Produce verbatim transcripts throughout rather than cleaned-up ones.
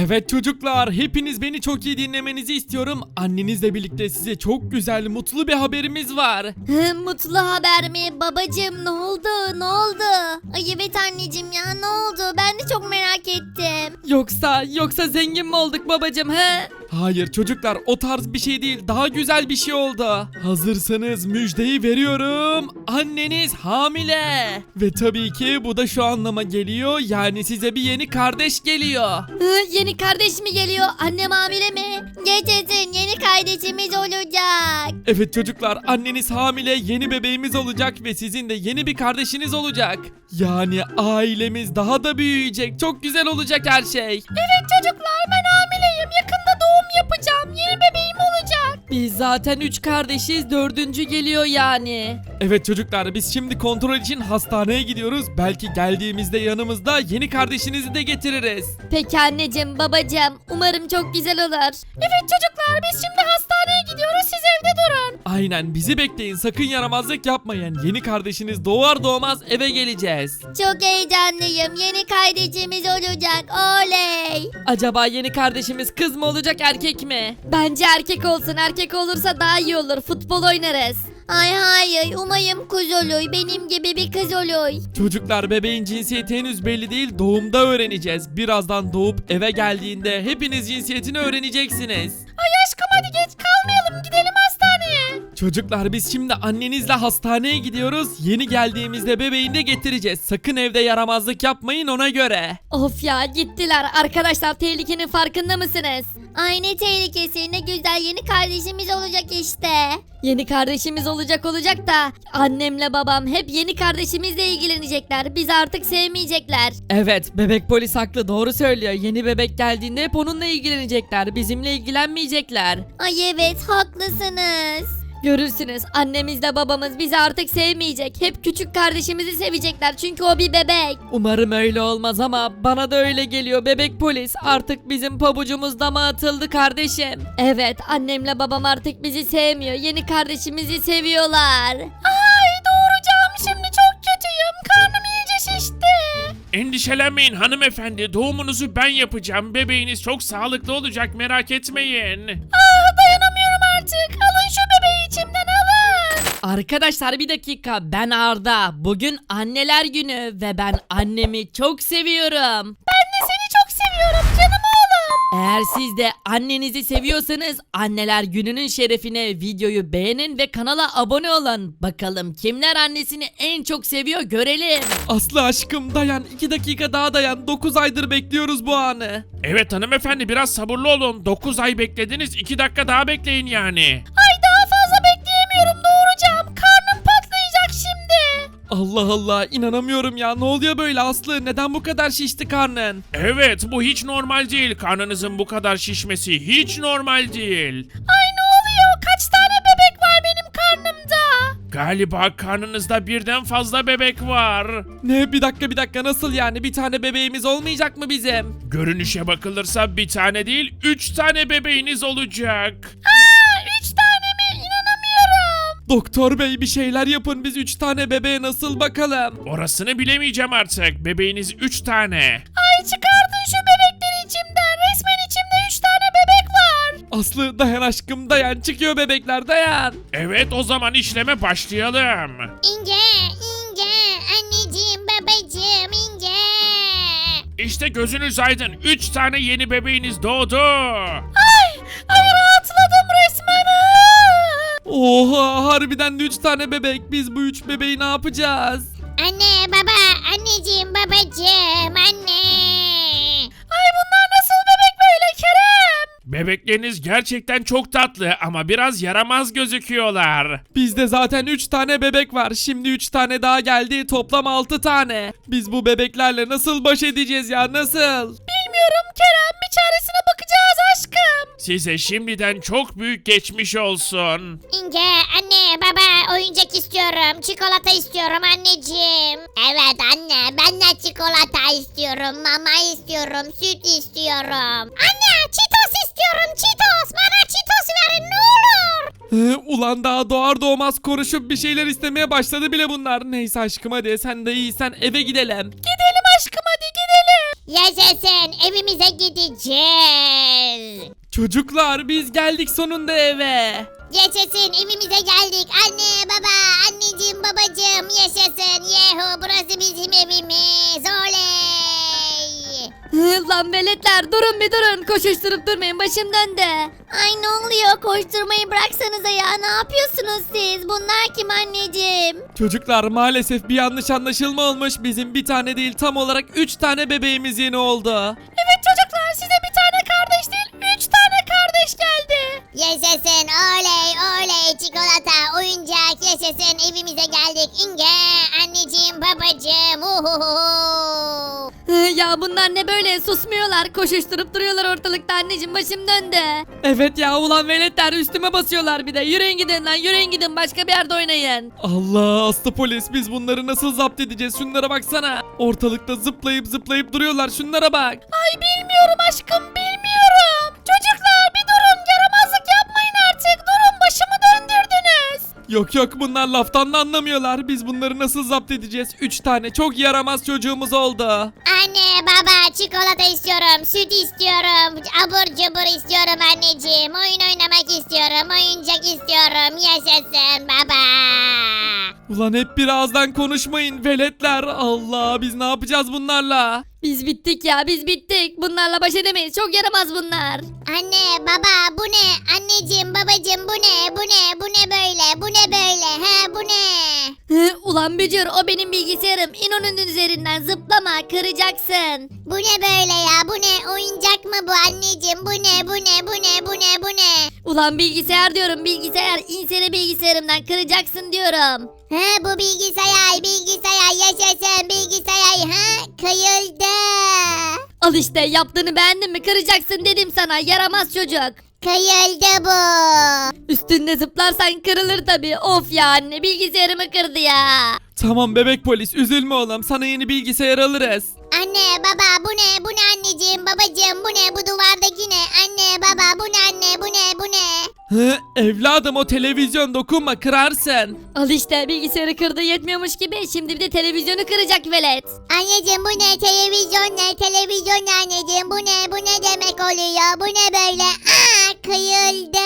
Evet çocuklar, hepiniz beni çok iyi dinlemenizi istiyorum. Annenizle birlikte size çok güzel, mutlu bir haberimiz var. Hı, mutlu haber mi? Babacım ne oldu? Ne oldu? Ay evet anneciğim ya ne oldu? Ben de çok merak ettim. Yoksa yoksa zengin mi olduk babacım he? Hayır çocuklar, o tarz bir şey değil, daha güzel bir şey oldu. Hazırsanız müjdeyi veriyorum. Anneniz hamile. Ve tabii ki bu da şu anlama geliyor, yani size bir yeni kardeş geliyor. Hı, yeni kardeş mi geliyor? Annem hamile mi? Geçesin yeni kardeşimiz olacak. Evet çocuklar, anneniz hamile, yeni bebeğimiz olacak ve sizin de yeni bir kardeşiniz olacak. Yani ailemiz daha da büyüyecek, çok güzel olacak her şey. Evet çocuklar ben hamileyim. Yakında doğum yapacağım. Yeni bebeğim olacak. Biz zaten üç kardeşiz, dördüncü geliyor yani. Evet çocuklar, biz şimdi kontrol için hastaneye gidiyoruz. Belki geldiğimizde yanımızda yeni kardeşinizi de getiririz. Peki anneciğim babacığım umarım çok güzel olur. Evet çocuklar biz şimdi hastaneye gidiyoruz. Siz evde durun. Aynen, bizi bekleyin, sakın yaramazlık yapmayın. Yeni kardeşiniz doğar doğmaz eve geleceğiz. Çok heyecanlıyım. Yeni kardeşimiz olacak. Oley. Acaba yeni kardeşimiz kız mı olacak erkek mi? Bence erkek olsun. Erkek olursa daha iyi olur. Futbol oynarız. Ay hayır. Umayım kız olur. Benim gibi bir kız olur. Çocuklar, bebeğin cinsiyeti henüz belli değil, doğumda öğreneceğiz. Birazdan doğup eve geldiğinde hepiniz cinsiyetini öğreneceksiniz. Ay aşkım hadi geç kalmayalım. Gidelim hastaneye. Çocuklar, biz şimdi annenizle hastaneye gidiyoruz. Yeni geldiğimizde bebeğini de getireceğiz. Sakın evde yaramazlık yapmayın, ona göre. Of ya gittiler. Arkadaşlar tehlikenin farkında mısınız? Ay ne tehlikesi. Ne güzel yeni kardeşimiz olacak işte. Yeni kardeşimiz olacak olacak da annemle babam hep yeni kardeşimizle ilgilenecekler. Bizi artık sevmeyecekler. Evet, bebek polis haklı, doğru söylüyor. Yeni bebek geldiğinde hep onunla ilgilenecekler, bizimle ilgilenmeyecekler. Ay evet haklısınız. Görürsünüz annemizle babamız bizi artık sevmeyecek. Hep küçük kardeşimizi sevecekler çünkü o bir bebek. Umarım öyle olmaz ama bana da öyle geliyor bebek polis. Artık bizim pabucumuz dama atıldı kardeşim. Evet annemle babam artık bizi sevmiyor. Yeni kardeşimizi seviyorlar. Ay doğuracağım şimdi çok kötüyüm. Karnım iyice şişti. Endişelenmeyin hanımefendi, doğumunuzu ben yapacağım. Bebeğiniz çok sağlıklı olacak, merak etmeyin. Ah dayanamıyorum artık. Alın şu bebeği içimden alın. Arkadaşlar bir dakika, ben Arda. Bugün anneler günü ve ben annemi çok seviyorum. Ben de seni çok seviyorum canım oğlum. Eğer siz de annenizi seviyorsanız anneler gününün şerefine videoyu beğenin ve kanala abone olun. Bakalım kimler annesini en çok seviyor görelim. Aslı aşkım dayan, iki dakika daha dayan. dokuz aydır bekliyoruz bu anı. Evet hanımefendi, biraz sabırlı olun. dokuz ay beklediniz, iki dakika daha bekleyin yani. Ay daha fazla bekleyemiyorum doğuracağım. Karnım patlayacak şimdi. Allah Allah, inanamıyorum ya, ne oluyor böyle Aslı, neden bu kadar şişti karnın? Evet, bu hiç normal değil. Karnınızın bu kadar şişmesi hiç normal değil. Ay ne oluyor? Kaç tane bebek var benim karnımda? Galiba karnınızda birden fazla bebek var. Ne, bir dakika bir dakika, nasıl yani, bir tane bebeğimiz olmayacak mı bizim? Görünüşe bakılırsa bir tane değil, üç tane bebeğiniz olacak. Aa, üç tane mi? İnanamıyorum. Doktor bey, bir şeyler yapın, biz üç tane bebeğe nasıl bakalım? Orasını bilemeyeceğim artık. Bebeğiniz üç tane. Ay çıkardın şu bebekleri içimden. Resmen içimde üç tane bebek var. Aslı dayan aşkım dayan, çıkıyor bebekler, dayan. Evet, o zaman işleme başlayalım. İnce, ince, anneciğim, babacığım, ince. İşte gözünüz aydın. Üç tane yeni bebeğiniz doğdu. Ay, ay rahatladım resmen. Oha, harbiden de üç tane bebek, biz bu üç bebeği ne yapacağız? Anne, baba, anneciğim, babacığım, anne. Ay bunlar nasıl bebek böyle Kerem? Bebekleriniz gerçekten çok tatlı ama biraz yaramaz gözüküyorlar. Bizde zaten üç tane bebek var, şimdi üç tane daha geldi, toplam altı tane. Biz bu bebeklerle nasıl baş edeceğiz ya, nasıl? Bilmiyorum Kerem, bir çaresine bakacağız aşkım. Size şimdiden çok büyük geçmiş olsun. İnce anne baba oyuncak istiyorum. Çikolata istiyorum anneciğim. Evet anne ben de çikolata istiyorum. Mama istiyorum. Süt istiyorum. Anne çitos istiyorum. Çitos. Bana çitos verin ne olur. Hı, ulan daha doğar doğmaz konuşup bir şeyler istemeye başladı bile bunlar. Neyse aşkım, hadi sen de iyisen eve gidelim. Gidelim aşkım hadi gidelim. Yaşasın, evimize gideceğiz. Çocuklar biz geldik sonunda eve. Yaşasın, evimize geldik. Anne, baba, anneciğim, babacığım, yaşasın. Yehu, burası bizim evimiz. Oley. Hı, Lan veletler durun bir durun. Koşuşturup durmayın, başım döndü. Ay ne oluyor? Koşturmayı bıraksanıza ya. Ne yapıyorsunuz siz? Bunlar kim anneciğim? Çocuklar maalesef bir yanlış anlaşılma olmuş. Bizim bir tane değil tam olarak üç tane bebeğimiz yeni oldu. Evet çocuklar, size bir tane kardeş değil, üç tane kardeş geldi. Yaşasın, oley, oley. Çikolata, oyuncak, yaşasın. Evimize geldik. İnge, anneciğim, babacığım. Uhuhu. Hı, Ya bunlar ne böyle, susmuyorlar, koşuşturup duruyorlar ortalıkta anneciğim, başım döndü. Evet ya ulan veletler üstüme basıyorlar bir de. Yürüyün gidin lan yürüyün gidin başka bir yerde oynayın. Allah aslı polis biz bunları nasıl zapt edeceğiz şunlara baksana. Ortalıkta zıplayıp zıplayıp duruyorlar şunlara bak. Ay bilmiyorum aşkım, bilmiyorum. Çocuklar bir durun, yaramazlık yapmayın artık, durun, başımı döndürdünüz. Yok yok bunlar laftan da anlamıyorlar. Biz bunları nasıl zapt edeceğiz? Üç tane çok yaramaz çocuğumuz oldu. Anne, baba, çikolata istiyorum, süt istiyorum, abur cubur istiyorum anneciğim. Oyun oynamak istiyorum, oyuncak istiyorum. Yaşasın baba. Ulan hep bir ağızdan konuşmayın veletler. Allah biz ne yapacağız bunlarla? Biz bittik ya, biz bittik. Bunlarla baş edemeyiz, çok yaramaz bunlar. Anne, baba, bu ne? Anneciğim, babacığım, bu ne? Bu ne? Bu ne böyle? Bu ne böyle? He, bu ne? Hı, Ulan bücür, o benim bilgisayarım. İn onun üzerinden, zıplama, kıracaksın. Bu ne böyle ya? Bu ne? Oyuncak mı bu anneciğim? Bu ne? Bu ne? Bu ne? Bu ne? Bu ne? Ulan bilgisayar diyorum, bilgisayar. İnsene bilgisayarımdan, kıracaksın diyorum. He, bu bilgisayar, bilgisayar, yaşasın bilgisayar. Ha, kayıldı. Al işte, yaptığını beğendin mi? Kıracaksın dedim sana, yaramaz çocuk. Kayıldı bu. Üstünde zıplarsan kırılır tabii. Of ya anne, bilgisayarımı kırdı ya. Tamam bebek polis üzülme oğlum sana yeni bilgisayar alırız. Anne, baba, bu ne? Bu ne anneciğim, babacığım? Bu ne? Bu duvardaki ne? Anne, baba, bu ne anne? Bu ne? Bu ne? Hı, evladım o televizyon dokunma kırarsın. Al işte, bilgisayarı kırdı yetmiyormuş gibi şimdi bir de televizyonu kıracak velet. Anneciğim, bu ne? Televizyon ne? Televizyon ne anneciğim? Bu ne? Bu ne demek oluyor? Bu ne böyle? Aa, kayıldı.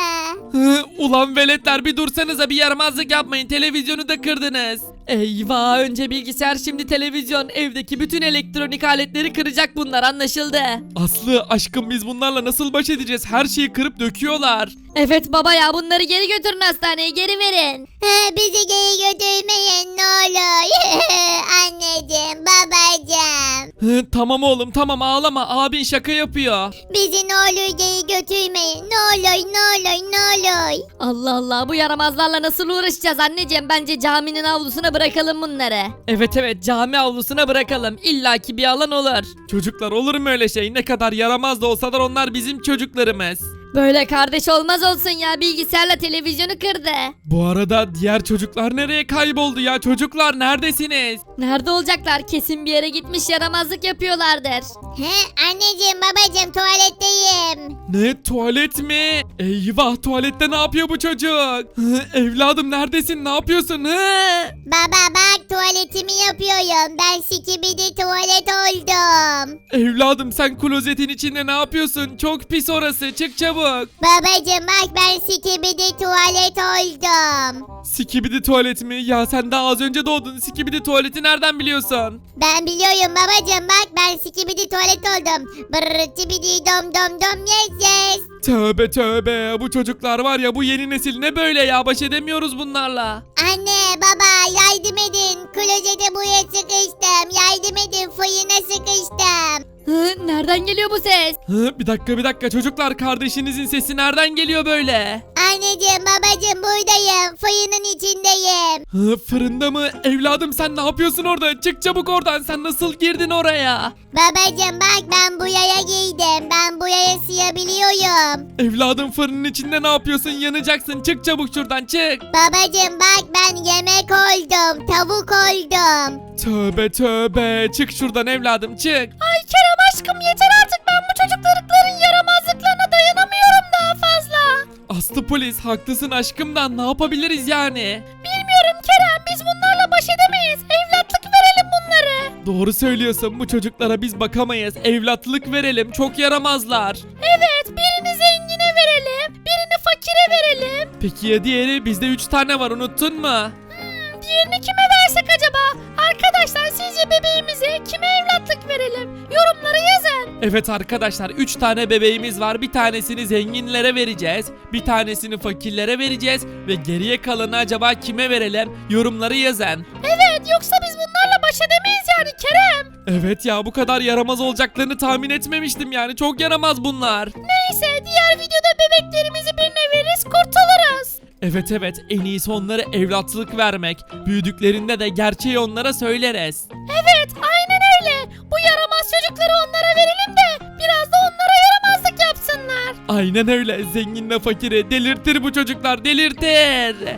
Hı, ulan veletler bir dursanıza bir yaramazlık yapmayın televizyonu da kırdınız. Eyvah önce bilgisayar şimdi televizyon evdeki bütün elektronik aletleri kıracak bunlar anlaşıldı. Aslı aşkım biz bunlarla nasıl baş edeceğiz her şeyi kırıp döküyorlar. Evet baba ya, bunları geri götürün hastaneye, geri verin. Ha, bizi geri götürmeyin ne olur. Anneciğim, babacığım. Hı, tamam oğlum tamam ağlama abin şaka yapıyor. Bizi ne olur geri götürmeyin. Ne olur, ne olur, ne olur. Allah Allah, bu yaramazlarla nasıl uğraşacağız anneciğim? Bence caminin avlusuna bırakalım bunları. Evet evet cami avlusuna bırakalım illaki bir alan olur. Çocuklar olur mu öyle şey ne kadar yaramaz da olsalar onlar bizim çocuklarımız. Böyle kardeş olmaz olsun ya, bilgisayarla televizyonu kırdı. Bu arada diğer çocuklar nereye kayboldu ya çocuklar neredesiniz? Nerede olacaklar? Kesin bir yere gitmiş, yaramazlık yapıyorlardır. He, anneciğim, babacığım, tuvaletteyim. Ne tuvalet mi? Eyvah tuvalette ne yapıyor bu çocuk? Hı, evladım neredesin ne yapıyorsun? Hı? Baba bak, tuvaletimi yapıyorum. Ben sikibidi tuvalet oldum. Evladım sen klozetin içinde ne yapıyorsun? Çok pis orası çık çabuk. Babacığım bak, ben sikibidi tuvalet oldum. Sikibidi tuvalet mi? Ya sen daha az önce doğdun. Sikibidi tuvaleti nereden biliyorsun? Ben biliyorum babacığım, bak ben sikibidi tuvalet oldum. Brrr cibidi dom dom dom yes yes. Tövbe tövbe. Bu çocuklar var ya bu yeni nesil ne böyle ya baş edemiyoruz bunlarla. Anne, baba, yardım edin. Klozete buraya sıkıştım. Yardım edin, fırına sıkıştım. Hı, nereden geliyor bu ses? Hı, bir dakika bir dakika çocuklar kardeşinizin sesi nereden geliyor böyle? Anneciğim, babacığım, buradayım. Fırının içindeyim. Hı, fırında mı? Evladım sen ne yapıyorsun orada? Çık çabuk oradan sen nasıl girdin oraya? Babacığım bak, ben buraya girdim. Ben buraya sığabiliyorum. Evladım fırının içinde ne yapıyorsun? Yanacaksın çık çabuk şuradan çık. Babacığım bak, ben yemek oldum. Tavuk oldum. Tövbe tövbe çık şuradan evladım çık. Ay Kerem aşkım, yeter artık, ben bu çocukların yaramazlıklarına dayanamıyorum daha fazla. Aslı polis haklısın aşkım da ne yapabiliriz yani? Bilmiyorum Kerem, biz bunlarla baş edemeyiz. Evlatlık verelim bunları. Doğru söylüyorsun, bu çocuklara biz bakamayız. Evlatlık verelim, çok yaramazlar. Evet, birini zengine verelim, birini fakire verelim. Peki ya diğeri? Bizde üç tane var, unuttun mu? Diğerini kime versek acaba? Arkadaşlar sizce bebeğimize kime evlatlık verelim? Yorumlara yazın. Evet arkadaşlar, üç tane bebeğimiz var. Bir tanesini zenginlere vereceğiz. Bir tanesini fakirlere vereceğiz. Ve geriye kalanı acaba kime verelim? Yorumları yazın. Evet, yoksa biz bunlarla baş edemeyiz yani Kerem. Evet ya, bu kadar yaramaz olacaklarını tahmin etmemiştim yani. Çok yaramaz bunlar. Neyse, diğer videoda bebeklerimizi birine veririz, kurtuluruz. Evet evet, en iyisi onlara evlatlık vermek. Büyüdüklerinde de gerçeği onlara söyleriz. Evet, aynen öyle. Bu yaramaz çocukları onlara verelim de biraz da onlara yaramazlık yapsınlar. Aynen öyle, zenginle fakiri delirtir bu çocuklar, delirtir.